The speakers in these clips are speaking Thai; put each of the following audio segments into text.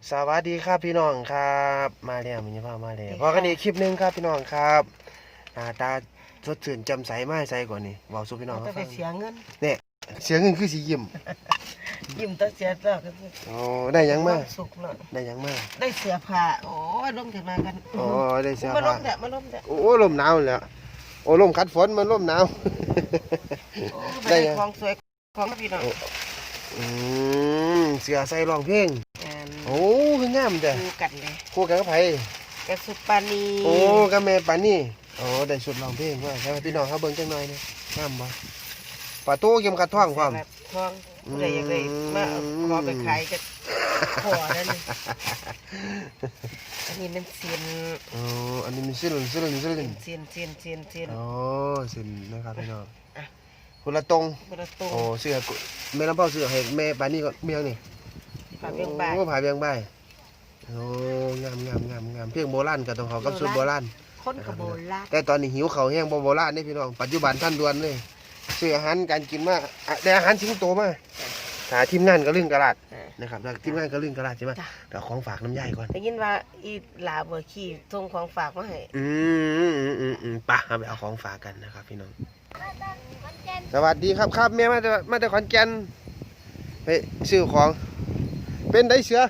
สวัสดีครับพี่น้องครับมาแล้วมีพ่อมาแล้วพอกันอีกคลิปหนึงครับพี่น้องครับหน้าตาสดชื่นแจ่มใสมากใสกว่านี้บอกสู่พี่น้องต้เขาองไปฟังเสียเงินเนี่ยเสียงเงินคือสียิ้มยิ้มต้องเสียแล้วก็คือโอ้ได้หยังมาความสุขเนาะได้หยังมาได้เสียผ้าโอ้ยลงถึงมากันอ๋อได้เสื้อมาลผ้างแต่มาลงแต่โอ้ลมหนาวแล้วโอ้ลมคัดฝนมันลมหนาวโอ้ได้ได้ยังของสวยของพี่น้องอืเสื้อใส่ร้องเพลงแอนโอ้คืองามแต่ดูกันเลยคู่กันกับไผกระสุปานีโอ้กับแม่ปานนี่โอ้ได้สุดร้องเพลงว่าใช่พี่น้องเขาเบิ่งจังหน่อยเนี่ยงามบ่ปลาโต้เข็มขัดท่องความแบบทองผู้ใดอยากได้มาเอาขอไปขายกันขอนั่นนี่อันนี้มันเซียนอ๋ออันนี้มีซิลนเซียนเซียนอ๋อซิลนะครับพี่น้องอ่ะคนละตรงประตูโอ้เสื้อแม่ลำเผาเสื้อให้แม่ปานนี่ก็เมียงนี่ผ่าเบี้ยงบ่ายโอ้ผ่าเบียงบ่ายโอ้งามเพียงโบราณก็ต้องเขากับสุดโบราณคนกับโบราณแต่ตอนนี้หิวเขาวแห้งบ่โบราณนี่พี่น้องปัจจุบันท่านด่วนเลยซื้ออาหารการกินมาแต่อาหารสิงโตมาหาทีมงานก็เรื่องกระลาดนะครับแล้วทีมงานก็เรื่องกระลาดใช่ไหมเดี๋ยวของฝากน้ำย่ายก่อนได้ยินว่าอีหลาเบอร์ขี้ส่งของฝากมาให้ปะเอาไปเอาของฝากกันนะครับพี่น้องสวัสดีครับแม่มาแต่ขอนแก่นไปซื้อของเป็นได้เสือ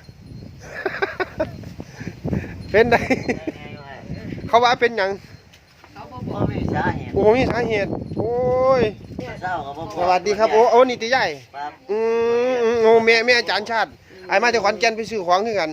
เป็นได้ เขาว่าเป็นหยังบ่มีสาเหตุโอ้มีสาเหตุโอ้ยเศร้าก็บ่สวัสดีครับโอ้นี่ตีใหญ่ครับโอ้แม่อาจารย์ชาติไอ้มาแต่ขอนแก่นไปซื้อของคือกัน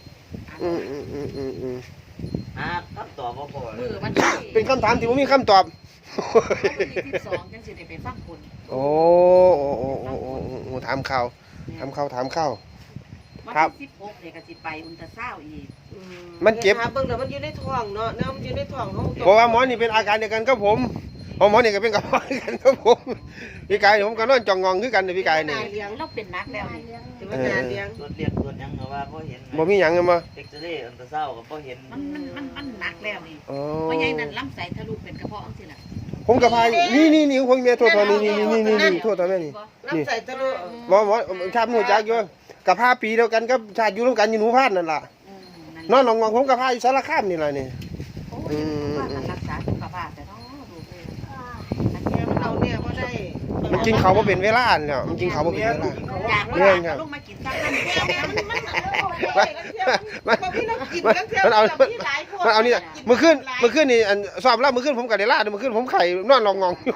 หาคำตอบบ่พอเลมืยอมันที่เป็นคำถามที่ผมมีคำตอบ 12จังสิได้ไปฟังผลโอ้ถามข่าววันครับที่16เนี่ยก็สิไปอุลตราซาวด์อีกมันเจ็บหาเบิ่งแล้วมันอยู่ในท้องเนาะเนาะมันอยู่ในท้องเขาเพราะว่าหมอนี่เป็นอาการเดียวกันกับผมหมอนี่ก็เป็นกับหมอกันกับผมพี่กายผมก็นอนจ่องงองคือกันพี่กายนี่เลี้ยงเราเป็นนักแล้วนี่ถือว่างานเลี้ยงตรวจเรียกตรวจหยังก็ว่าบ่เห็นบ่มีหยังมาเอ็กซเรย์อัลตราซาวด์ก็บ่เห็นมันหนักแล้วนี่อ๋อเพราะใหญ่นั้นลำไส้ทะลุเป็นกระเพาะจังซี่ล่ะผมกับพายนี่ผมเมียโทษนี่โทษตอนแม่นี่น้ำใส่ตะลุหมอชาติหนูจักอยู่กับผ้าปีเดียวกันกับชาติอยู่ร่วมกันอยู่หนูพาดนั่นล่ะ นอนหลงผมกับผ้าอยู่สารคามนี่ล่ะนี่โอ้ยว่ามันรักษาสุขภาพแต่เนาะดูเลยอันนี้เราเนี่ยบ่ได้มันกินเขาวบ่เป็นเวลาแล้วมันกินเขาวบ่เป็นเวลาอยากเรื่องครับลงมากินซักนั่นนี่มันเอานี่เมื่อคืนนี่อันสอบแล้วเมื่อคืนผมกับเดล่าเมื่อคืนผมไข่นอนหลงงองอยู่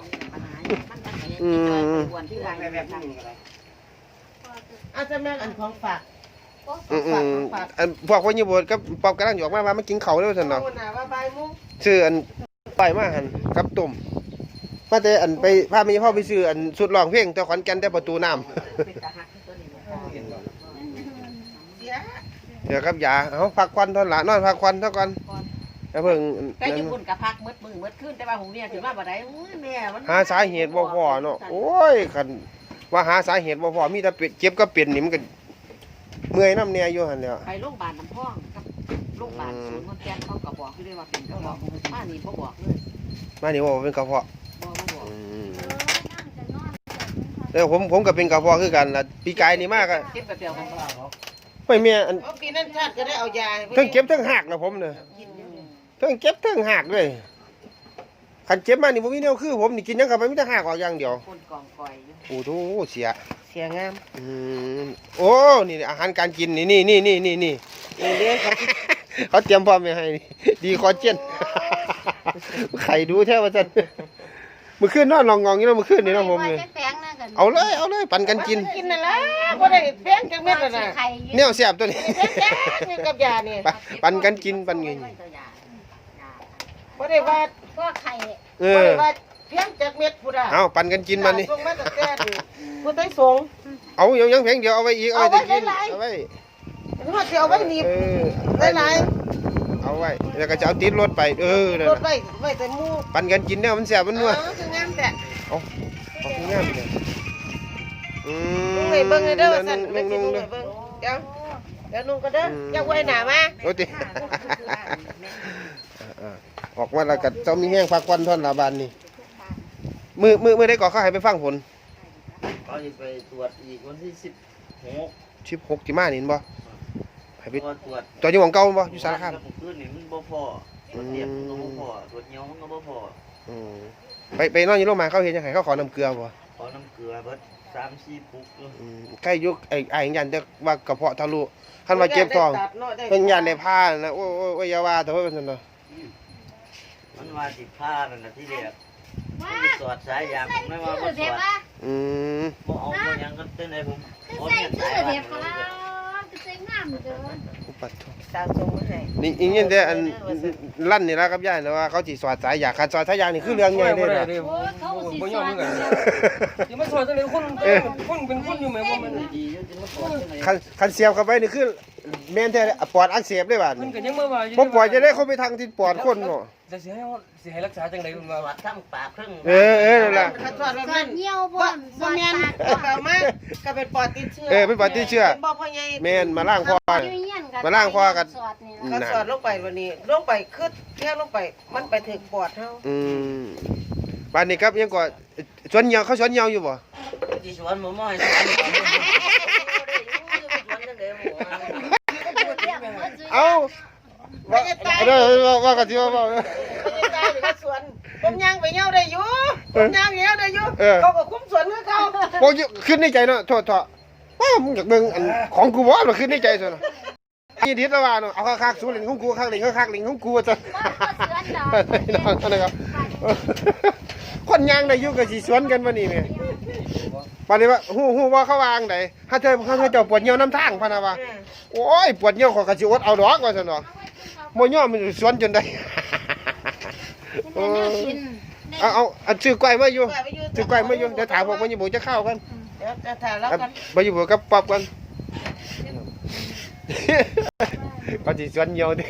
ควรที่วางแบบนั้นอาจจะแม่อันของฝากอันพวกวันญี่ปุ่นกับปอบกำลังหยอกมากินเขาแล้วท่านเนาะเอาหน้าว่าบ่ายโมงซื้ออันไปมาหันกับตุ่มมาแต่อันไปพาแม่พ่อไปซื้ออันสุดร้องเพลงแต่ขอนแก่นแต่ประตูน้ำเป็นตาหักตัวนี้เสียเดี๋ยวครับยาเอาพักควันเท่าละนอนพักควันเท่ากันแล้วเพิ่งแต่ญี่ปุ่นกับพักมืดมือมืดขึ้นแต่ว่าหูเนี่ยถือว่าบ่ได้แม่มันหาสาเหตุบ่พอเนาะโอ้ยคันว่าหาสาเหตุบ่พอมีแต่เจ็บก็เป็นนี่มันก็เมื่อยน้ำเนี่ยอยู่หั่นแหล้วไปโรงพยาบาลน้ำพองกับโรงพยาบาลศูนย์คนแก่นเขาก็บอกอยู่เลยว่าเป็นกระเพาะป้านี่บ่บอกเลยมานี่ว่าเป็นกระเพาะบ่บอกแล้วผมก็เป็นกระเพาะคือกันล่ะปีกายนี่มากอะเก็บแบบเดียวกันบ่ไม่แม่อันเอาปีนั้นชาติก็ได้เอายาทั้งเจ็บทั้งหักนะผมเนี่ยทั้งเจ็บทั้งหักเลยคันเจ็บมานี่บ่มีแนวคือผมนี่กินหยังเข้าไปมีแต่หักออกอย่างเดียวคนกองกอยอยู่โอ้โหเสียเสียงามโอ้นี่อาหารการกินนี่เลี้ยงเขาเขาเตรียมพร้อมไว้ให้นี่ดีคอเจนไข่ดูแท้ว่าซั่นมื้อคืนนอนลองงองอยู่เนาะมื้อคืนนี่เนาะผมนี่เอาเลยปั่นกันกินกินนั่นล่ะบ่ได้แพงจังแม่นน่ะแนวแซ่บตัวนี้แพงกับยานี่ปั่นกันกินปั่นเงินบ่ได้ว่าพวกไข่เอบ่อได้ว่าเพียงจากเม็ดพุดอ่ะเอาปั่นกันกินบัดนี้ส่งมาตั้งแต่ผู้ใต้สงเอายังเพียงเดียวเอาไว้อีกเอาไว้แต่กินเอาไว้ว่าสิเอาไว้หนีบ หลายเอาไว้แล้วก็จะเอาติดรถไปนั่นรถน่ะไว้แต่หมู่ปั่นกันกินเนี่ยมันแซ่บมันนัวคืองามแต่เอาคืองามเลยอืนุ่งให้เบิ่งให้เด้อว่าซั่นนุ่ไปงกินนุ่งๆให้เบิ่งเดี๋ยวนุ่งก็เด้ออย่าไว้หน้ามาโอ้ติออกมาแล้วก็เจ้ามีแห้งพักควันท่อนลาบานนี่มือได้ก่อเข้าให้ไปฟังผลเขาจะไปตรวจอีกวันที่16 16ที่มานี่เห็นบ่ให้ไปตรวจตัวอยู่หม่องเก่าบ่อยู่สารคามแล้วคืนนี่มันบ่พอตรวจเทียบมันก็บ่พอตรวจเหนียวมันก็บ่พออืมไปนอนอยู่โรงพยาบาลเขาเห็นจังไงเขาขอน้ำเกลือบ่ขอน้ำเกลือเบิด3-4 ปุกอยู่ใกล้ยุคไอ้ยันจะว่ากระเพาะทะลุคันว่าเจ็บท้องเพิ่นยันได้พานะโอ้ยอย่าว่าแต่ว่าเป็นซั่นเนาะมันว่าสิพานั่นน่ะที่แรกมันสิสอดสายยางผมไม่ว่าบ่สอดอืมบ่เอาบ่หยังกันเต้นให้ผมโอนเงินสายบ้านเลยอุปัตโถสาวส่งมาให้นี่อีกอย่างเดียวอันลั่นนี่ละครับยายนะว่าเขาสิสอดสายยางคันสอดสายยางนี่คือเรื่องใหญ่เลยนะโอ้ยเขาบ่ยอมเหมือนกันยังไม่สอนจังเลยคนเป็นคนอยู่แม่บ่มันดีอยู่จะมาสอดจังได๋คันเสียบเข้าไปนี่คือแม่นแท้ปอดอักเสบเลยบาดมันนี้ก็ยังมาว่าอยู่บ่ปล่อยจะได้เข้าไปทางที่ปอดคนเนาะจะสิให้รักษาจังได๋มันว่าสอดทั้งปากครึ่งเออนั่นล่ะถ้าสอดแบบสอนั้ดนเหี่ยวบ่บ่แม่นก็มาก็เป็นปอดติดเชื้อเป็นปอดติดเชื้อเป็นบ่พ่อใหญ่แม่นมาล้างคออยู่เฮียนกันมาล้างคอกันสอดนี่ล่ะเขาสอดลงไปวันนี้ลงไปคือแค่ลงไปมันไปถึงปอดเฮาอืมบ้านนี้ครับยังก็สวนเหยาเขาสวนเหยาอยู่บ่สิสวนบ่ม้อยสวนบ่ได้อยู่จังได๋หมู่เอ้าว่ากันสิว่าไม่ได้หรือว่าสวนผมย่างไปเหี่ยวได้อยู่ผมย่างเหี่ยวได้อยู่เขาก็คุ้มสวนคือเขาบ่ขึ้นในใจเนาะโทษว้ามึงอยากเบิ่งอันของกูบ่มันขึ้นในใจซะเนาะนี่ดิดละว่าเนาะเอาคักๆสู้เล่นของกูคักเล่นคักเล่นของกูว่าซั่น น้องนะครับคนย่างได้อยู่ก็สิสวนกันบ่นี่แม่ปานนี้ว่าฮู้ว่าเขาวางไดถ้าเจ้าปวดเหี่ยวน้ำทางพะนะว่าโอ้ยปวดเหี่ยวขอยก็สิอดเอาดอกว่าซั่นเนาะบ่ยอมมันสวนจนได้ เอาซื้อกล้วยมาอยู่ซื้อกล้วยมาอยู่เดี๋ยวถามพวกมันอยู่บ่จะเข้ากันเดี๋ยวจะถ่ายแล้วกันบ่อยู่บ่กับป๊อบกันก็สิสวนเหี่ยวดิ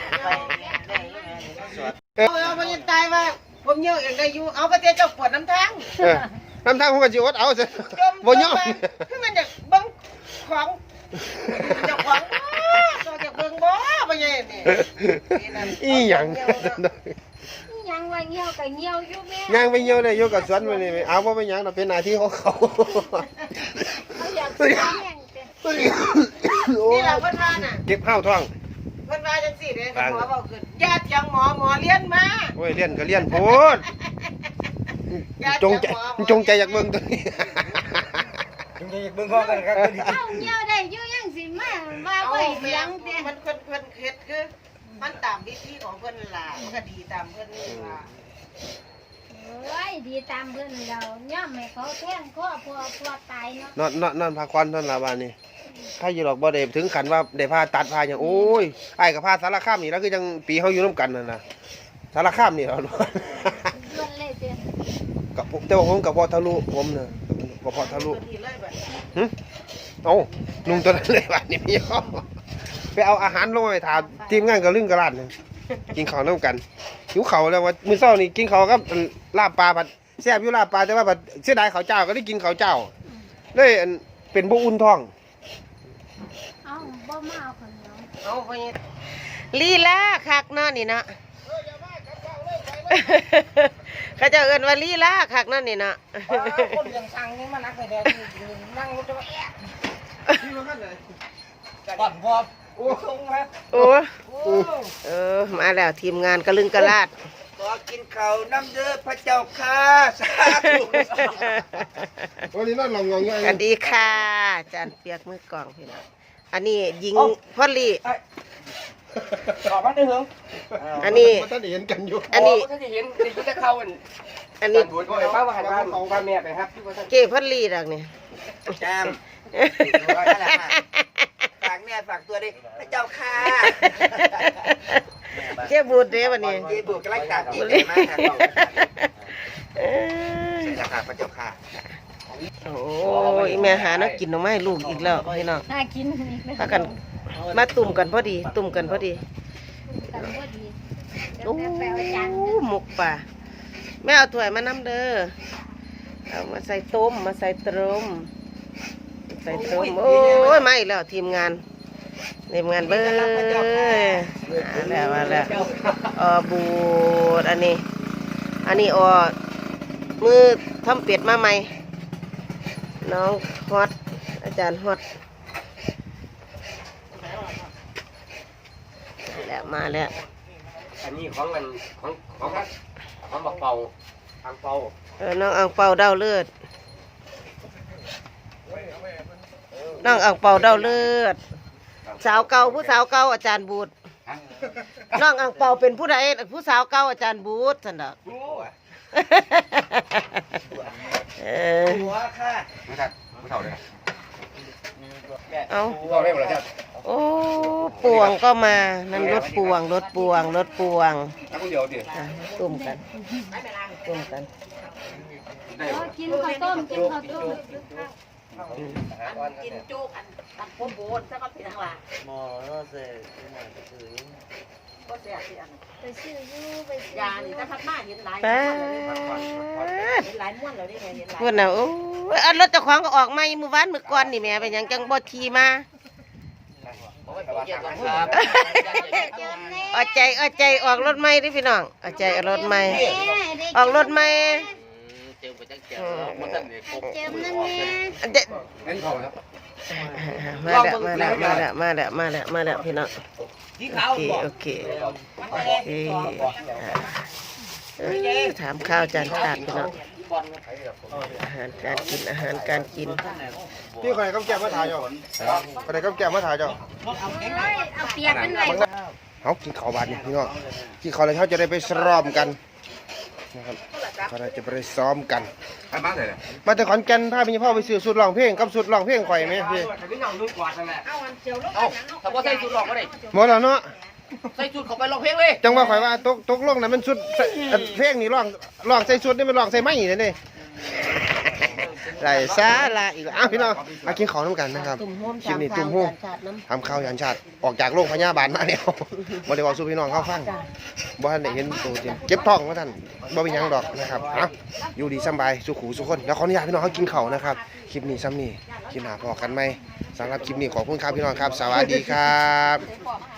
เอาไปตายว่าผมเหี่ยวเองได้อยู่เอาไปเจ้าปวดน้ำทางน้ำทางผมก็สิอดเอาซะบ่ยอมคือมันอยากเบิ่งของเจ้าของตัวจากเบิ่งบ่บ่ใหญ่นี่อีหยังยังว่าเหี่ยวก็เหี่ยวอยู่แม่ย่างไปเหี่ยวได้อยู่กับสวนมื้อนี้เอาบ่เป็นหยังดอกเป็นหน้าที่ของเขาเขาอยากสิแห้งแต่นี่ล่ะเพิ่นว่าน่ะเก็บข้าวท้องเพิ่นว่าจังซี่เด้หมอเว้าขึ้นญาติยังหมอเรียนมาโอ้ยเรียนก็เรียนโพดจงใจอยากเบิ่งตัวนี้จงใจอยากเบิ่งข้อกันครับเอาเหี่ยวได้อยู่ยังสิมาว่าบ่เสียงแต่มันเพิ่นเฮ็ดคือมันตามวิธีของเพิ่นล่ะมันก็ดีตามเพิ่นนี่ล่ะเอ้ยดีตามเพิ่นเราย่อมให้เขาแท่งคอพอตายเนาะนอนพักผ่อนเท่านั้นล่ะบ้านนี้ใครอยู่หรอกบ่ได้ถึงขั้นว่าได้พาตัดพาหยังโอ้ยอ้ายก็พาสารคามนี่แล้วคือจังปีเฮาอยู่นํกันนั่นน่ะสารคามนี่เหรอล้วนเลยเด้อกับผมแต่ว่าผมกับพอทะลุผมน่ะกับพอทะลุเพิ่นดีเลยบัดเอ้านุ่งตัวนั้นเลยบ้านนี้พี่เขาไปเอาอาหารลงไปถามทีมงานก็ลึงกระลาดนึงกินข้าวนํกันหิวข้าวแล้วว่ามื้อเช้านี่กินข้าวกับลาบปลาผัดแซ่บอยู่ลาบปลาแต่ว่าผัดเสียดายข้าวเจ้าก็ได้กินข้าวเจ้าเลยอันเป็นบ่อุ่นท้องเอาบ่มาเอาคนเดียวเอาไปลีลาคักเนาะนี่เนาะเขาจะเอิ้นว่าลีลาคักเนาะนี่เนาะคนยังสั่งนี่มานักเลยนั่งรถจะปั่นพอโอ้ลงมาโอ้มาแล้วทีมงานกระลึงกระลาดขอกินข้าวน้ำเด้อพระเจ้าค่ะสาธุวันนี้นั่นลองงงสวัสดีค่ะอาจารย์เปียกมือกลองพี่น้องอันนี้หญิงพอลลี่ออกมาได้เหรออันนี้มันท่านเห็นกันอยู่อันนี้ถ้าจะเห็นจะเข้าอันอันนี้ก็ไอ้ป้าว่าหันบ้านของบ้านแม่ไปครับเก๋พอลลี่ดอกนี่แจมฝากแม่ฝากตัวดิพระเจ้าค่ะเจ๊บูดเด้วันนี้เย่บุกกำลังตัดอีกมากครับใช่แล้วค่ะพระเจ้าค่ะโอ้ยแม่หานักกินหน่อไม้ลูกอีกแล้วพี่น้องน่ากินอีกแล้วพากันมาตุ่มกันพอดีตุ่มกันพอดีกันบ่ดีเดี๋ยวโอ้แม่ไปเอาจานหมกป่าแม่เอาถ้วยมานำเด้อเอามาใส่ต้มมาใส่ตรมใส่ตรมโอ้ยมาอีกแล้วทีมงานเบิ้ลมาแล้วบูดอันนี้มือทำเป็ดมาใหม่น้องฮอตอาจารย์ฮอตมาแล้วอันนี้ของมันของบักเป่าทางเป่าน้องอ่างเปาเดาเลือดน้องอ่างเปาเดาเลือดสาวเก่าผู้สาวเก่าอาจารย์บูดน้องอ่างเปาเป็นผู้ใดผู้สาวเก่าอาจารย์บูดสันดอกหัวค่ะไม่ทันไม่เท่าเลยเอาเท่าได้หมดแล้วจ้ะโอ้ปวงก็มานั่นรถปวงรถปวงรถปวงถ้าคนเดียวดิอ่ะตุ่มกันตุ่มกันกินข้าวต้มกินข้าวต้มกินจุกอันโคโบนซะก็เป็นทั้งหลังหมอเราเสร็จหน่อยก็คือก็เสียสิอันไปซื้อยูไปซื้อยานี่ถ้าพัดมาเห็นหลายป้าเห็นหลายม้วนแล้วนี่ไงเห็นหลายพูดนะโอ้ยอันรถเจ้าของก็ออกมาอีมื้อวานมื้อก่อนนี่แม่เป็นหยังจังบ่ขี่มา เอาใจออกรถใหม่ดิพี่น้องเอาใจออกรถใหม่ออกรถใหม่เจอไปจังเจอมันตั้งแต่กบเจิมนั่นแม่อันเด็ดเล่นเขาครับมาแล้วพี่น้องที่เขาโอเคถามข้าวจานขาดพี่น้องอาหารการกินพี่คนไหนก็แก้มาถ่ายจ้ะคนไหนก็แก้มาถ่ายจ้ะเอาเปียกเป็นไรเอากินข้าวบาดนี่พี่น้องกินข้าวแล้วเขาจะได้ไปซ้อมกันนะครับเขาจะไปซ้อมกันใครมาใส่เลยมาแต่ขอนแก่นพาพี่พ่อไปซื้อสุดร้องเพลงกับสุดร้องเพลงข่อยไหมพี่ที่นั่งนุ่งกวาดนั่นแหละถ้าว่าใส่ชุดหลอกก็ได้หมดแล้วเนาะใส่ชุดเขาไปร้องเพลงเลยจังว่าข่อยว่าตกลงนั้นมันสุดเพลงนี่ร้องใส่สุดนี่มันร้องใส่ไม้เลยนี่ไรซาลาอีกแล้วอ้าวพี่น้องมากินข้าวน้ำกันนะครับคลิปนี้ตุ่มหูทำข้าวยันชาติออกจากโรงพยาบาลมาแล้วบ่ได้บอกสู่พี่น้องเขาฟังบ่ทันได้เห็นตัวจริงเจ็บท้องว่าท่านบ่เป็นหยังดอกนะครับอ้าวอยู่ดีสบายสุขุสุขคนแล้วขออนุญาตพี่น้องเขากินข้าวนะครับคลิปนี้ซ้ำนี่คลิปหน้าพอกันไหมสำหรับคลิปนี้ขอบคุณครับพี่น้องครับสวัสดีครับ